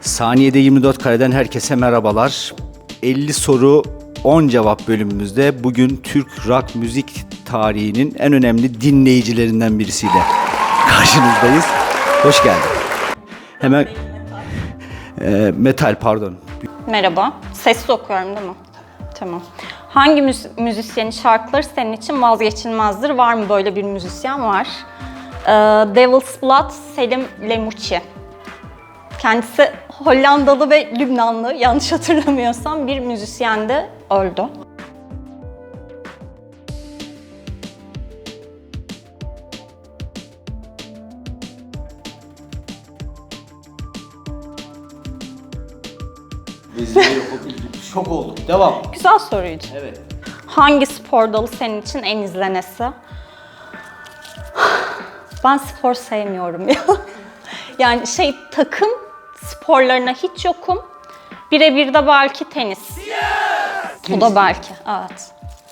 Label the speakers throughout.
Speaker 1: Saniyede 24 kareden herkese merhabalar. 50 soru 10 cevap bölümümüzde bugün Türk rock müzik tarihinin en önemli dinleyicilerinden birisiyle karşınızdayız. Hoş geldin. Hemen metal pardon.
Speaker 2: Merhaba. Sessiz okuyorum değil mi? Tamam. Hangi müzisyenin şarkıları senin için vazgeçilmezdir? Var mı böyle bir müzisyen? Var. Devil's Blood, Selim Lemuçi. Kendisi Hollandalı ve Lübnanlı, yanlış hatırlamıyorsam bir müzisyen de öldü.
Speaker 1: Şok olduk. Devam.
Speaker 2: Güzel soruydu.
Speaker 1: Evet.
Speaker 2: Hangi spor dalı senin için en izlenesi? Ben spor sevmiyorum ya. Yani takım sporlarına hiç yokum. Birebir de belki tenis. O da belki, evet.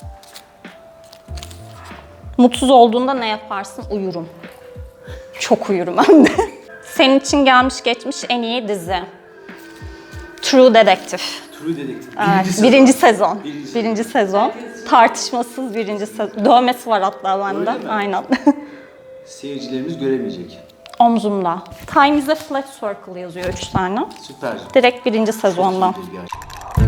Speaker 2: Mutsuz olduğunda ne yaparsın? Uyurum. Çok uyurum hem de. Senin için gelmiş geçmiş en iyi dizi. True Detective.
Speaker 1: True Detective.
Speaker 2: Evet, birinci sezon. Birinci sezon. Tartışmasız birinci sezon. Dövmesi var hatta bende.
Speaker 1: Öyle mi?
Speaker 2: Aynen.
Speaker 1: Seyircilerimiz göremeyecek.
Speaker 2: Omzumda. Time is a flat circle yazıyor 3 tane.
Speaker 1: Süper.
Speaker 2: Direkt birinci sezondan.
Speaker 1: Çok iyidir gerçekten.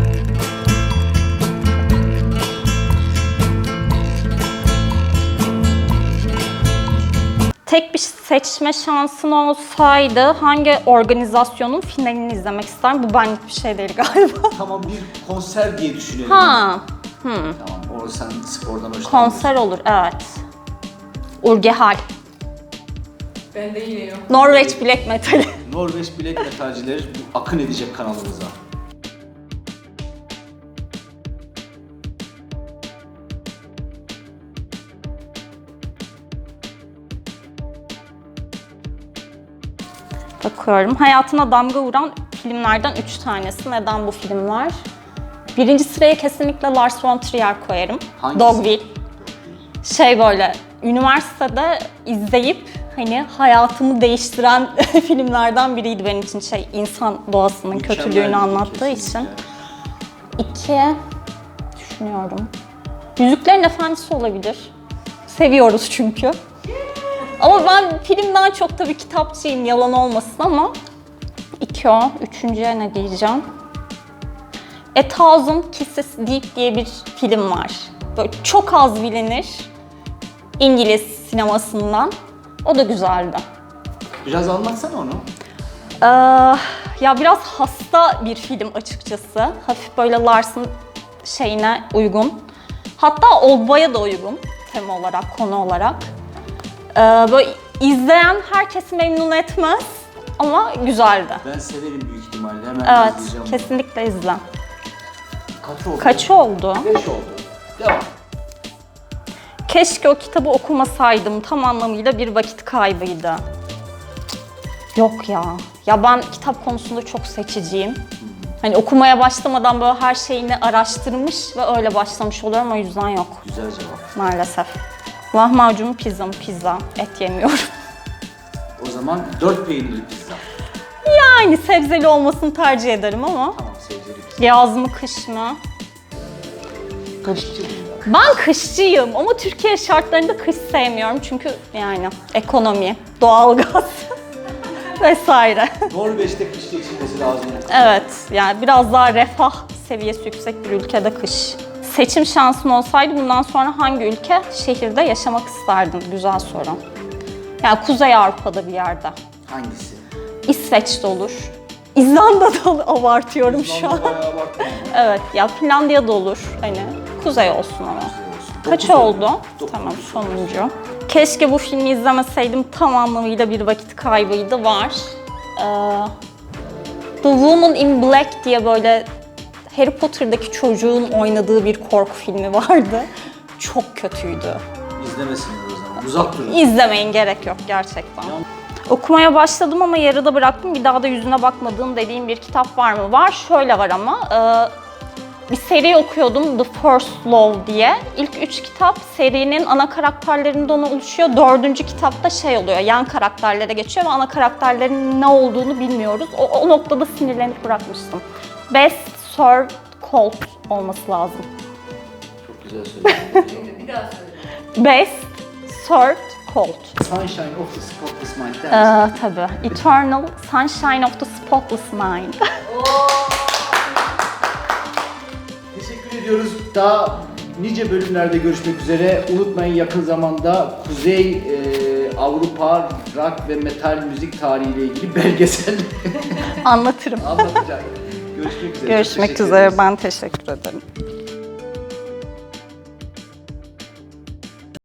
Speaker 2: Tek bir seçme şansın olsaydı hangi organizasyonun finalini izlemek isterdim? Bu benlik bir şey değil galiba.
Speaker 1: Tamam, bir konser diye düşünelim.
Speaker 2: Ha,
Speaker 1: Tamam, o sen spordan hoşlanmıyorsun.
Speaker 2: konser olur, evet. Urgehal.
Speaker 3: Ben de yine yok.
Speaker 2: Norveç Black Metal'i.
Speaker 1: Norveç bilek metalcileri akın edecek kanalımıza.
Speaker 2: Bakıyorum. Hayatına damga vuran filmlerden 3 tanesi. Neden bu filmler? Birinci sıraya kesinlikle Lars von Trier koyarım.
Speaker 1: Hangisi?
Speaker 2: Dogville. Böyle, üniversitede izleyip hayatımı değiştiren filmlerden biriydi benim için. İnsan doğasının
Speaker 1: Mükemmel,
Speaker 2: kötülüğünü anlattığı
Speaker 1: kesinlikle.
Speaker 2: için. 2, düşünüyorum. Yüzüklerin Efendisi olabilir. Seviyoruz çünkü. Ama ben filmden çok tabii kitapçıyım, yalan olmasın ama 2 o. Üçüncüye ne diyeceğim? A Thousand Kisses Deep diye bir film var. Böyle çok az bilinir. İngiliz sinemasından. O da güzeldi.
Speaker 1: Biraz anlatsana onu.
Speaker 2: Ya biraz hasta bir film açıkçası. Hafif böyle Lars'ın şeyine uygun. Hatta Oldboy'a da uygun tema olarak, konu olarak. Böyle izleyen herkesi memnun etmez ama güzeldi.
Speaker 1: Ben severim büyük ihtimalle. Hemen
Speaker 2: Evet,
Speaker 1: izleyeceğim.
Speaker 2: kesinlikle izle.
Speaker 1: Kaç oldu?
Speaker 2: Kaç oldu?
Speaker 1: 5 oldu. Devam.
Speaker 2: Keşke o kitabı okumasaydım, tam anlamıyla bir vakit kaybıydı. Yok ya. Ya ben kitap konusunda çok seçiciyim. Okumaya başlamadan böyle her şeyini araştırmış ve öyle başlamış oluyorum, o yüzden yok
Speaker 1: Güzel cevap.
Speaker 2: maalesef. Lahmacun pizza. Et yemiyorum.
Speaker 1: O zaman 4 peynirli pizza.
Speaker 2: Yani sebzeli olmasını tercih ederim ama.
Speaker 1: Tamam, sevgili pizza.
Speaker 2: Yaz mı kış mı?
Speaker 1: Kaçıncı bu ya?
Speaker 2: Ben kışçıyım ama Türkiye şartlarında kış sevmiyorum çünkü ekonomi, doğalgaz vesaire.
Speaker 1: Norveç'te kış geçirmesi lazım.
Speaker 2: Evet, yani biraz daha refah seviyesi yüksek bir ülkede kış. Seçim şansın olsaydı bundan sonra hangi ülke, şehirde yaşamak isterdin? Güzel soru. Yani Kuzey Avrupa'da bir yerde.
Speaker 1: Hangisi?
Speaker 2: İsveç'te olur. İzlanda'da olur. Abartıyorum şu an.
Speaker 1: Bayağı abartma.
Speaker 2: Evet, ya Finlandiya'da olur. Kuzey olsun ama. Kaç oldu? Tamam, sonuncu. Keşke bu filmi izlemeseydim, tam anlamıyla bir vakit kaybıydı. Var. The Woman in Black diye böyle Harry Potter'daki çocuğun oynadığı bir korku filmi vardı. Çok kötüydü.
Speaker 1: İzlemesinler o zaman. Uzak durun.
Speaker 2: İzlemeyin, gerek yok gerçekten. Okumaya başladım ama yarıda bıraktım. Bir daha da yüzüne bakmadığım dediğim bir kitap var mı? Var, şöyle var ama. bir seri okuyordum, The First Love diye. İlk 3 kitap serinin ana karakterlerinden oluşuyor. 4. kitapta şey oluyor, yan karakterlere geçiyor ve ana karakterlerin ne olduğunu bilmiyoruz. O noktada sinirlenip bırakmıştım. Best Served Cold olması lazım.
Speaker 1: Çok güzel söyledin.
Speaker 3: Bir daha söyle.
Speaker 2: Best Served Cold.
Speaker 1: Sunshine of the Spotless Mind der misin?
Speaker 2: Tabii. Eternal Sunshine of the Spotless Mind.
Speaker 1: Teşekkür ediyoruz. Daha nice bölümlerde görüşmek üzere. Unutmayın, yakın zamanda Kuzey Avrupa rock ve metal müzik tarihiyle ilgili belgesel
Speaker 2: Anlatırım.
Speaker 1: anlatacak. Görüşmek üzere. Çok
Speaker 2: Görüşmek
Speaker 1: teşekkür
Speaker 2: üzere.
Speaker 1: ederiz.
Speaker 2: Ben teşekkür ederim.